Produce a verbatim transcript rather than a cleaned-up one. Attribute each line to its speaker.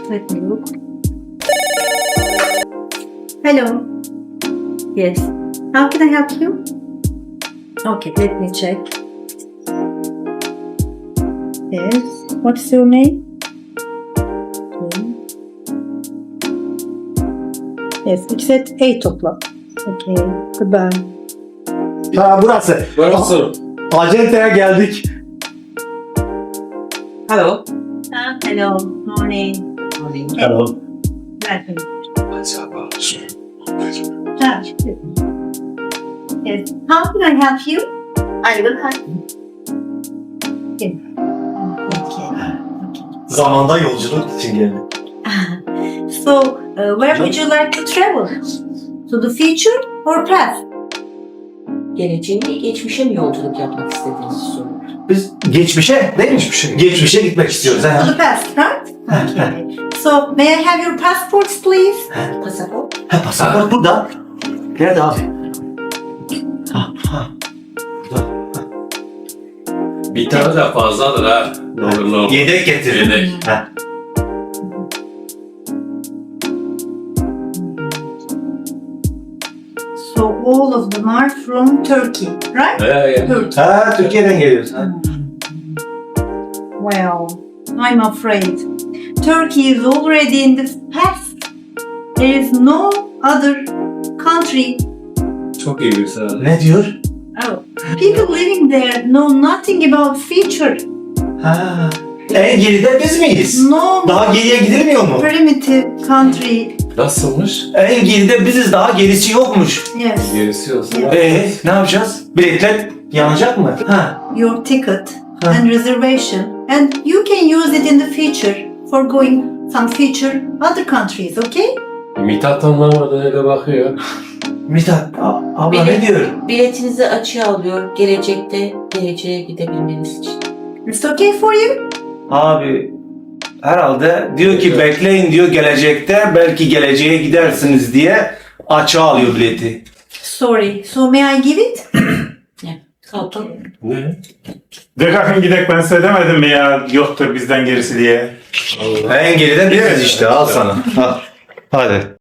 Speaker 1: Let me look. Hello. Yes. How can I help you? Okay, let me check. Yes. What's your name? Okay. Yes, it's at eight o'clock. Okay, goodbye.
Speaker 2: Ha burası.
Speaker 3: Burası.
Speaker 2: Acenteye geldik.
Speaker 3: Hello.
Speaker 1: Ah, hello. Morning.
Speaker 3: Morning.
Speaker 2: Hello.
Speaker 1: Welcome.
Speaker 3: Acaba şu.
Speaker 1: Ah, yes. How can I help you? I will help you. Yes. Okay. Okay.
Speaker 2: Zamanda yolculuk için geldik.
Speaker 1: So, uh, where would you like to travel? To the future or past?
Speaker 4: Geleceğe mi, geçmişe mi yolculuk yapmak istediğinizi soruyor.
Speaker 2: Biz geçmişe değil mi? Geçmişe, geçmişe gitmek istiyoruz.
Speaker 1: To
Speaker 2: Ha.
Speaker 1: the past, right? Okay. So, may I have your passports, please?
Speaker 4: Pasaport.
Speaker 2: Ha, pasaport burada. Nerede abi? Ha, ha. Burada.
Speaker 3: Bir tane de fazladır ha. Doğru doğru.
Speaker 2: Yedek getir.
Speaker 3: Yedek.
Speaker 2: Ha.
Speaker 1: So, all of them are from Turkey, right?
Speaker 3: He ya.
Speaker 1: Turkey.
Speaker 2: Ha, Türkiye'den geliyoruz. Ha.
Speaker 1: Well, I'm afraid Turkey is already in the past. There is no other country.
Speaker 3: Çok iyi bir sıra.
Speaker 2: Ne diyor?
Speaker 1: Oh, people living there know nothing about future.
Speaker 2: Ha. En geride biz miyiz?
Speaker 1: No
Speaker 2: Daha geriye gidilmiyor mu?
Speaker 1: primitive country.
Speaker 3: Nasılmış?
Speaker 2: En geride biziz, daha gerisi yokmuş.
Speaker 1: Yes,
Speaker 3: Gerisi olsun.
Speaker 1: Yeah.
Speaker 2: Ee, ne yapacağız? Biletler yanacak mı? Ha.
Speaker 1: your ticket
Speaker 2: Huh.
Speaker 1: and reservation, and you can use it in the future for going some future other countries. Okay?
Speaker 3: Mithat anlamadı öyle bakıyor.
Speaker 2: Mithat, a- abla ne
Speaker 4: Bilet-
Speaker 2: diyor?
Speaker 4: Biletinizi açığa alıyor. Gelecekte geleceğe gidebilmeniz için.
Speaker 1: It's okay for you?
Speaker 2: Abi herhalde diyor ki bekleyin diyor gelecekte belki geleceğe gidersiniz diye açığa alıyor bileti.
Speaker 1: Sorry. So may I give it?
Speaker 4: Kalkın.
Speaker 3: Ne?
Speaker 5: De kalkın gidek, ben size demedim mi ya yoktur bizden gerisi diye.
Speaker 2: En geride biliriz işte, al sana. Al. Hadi.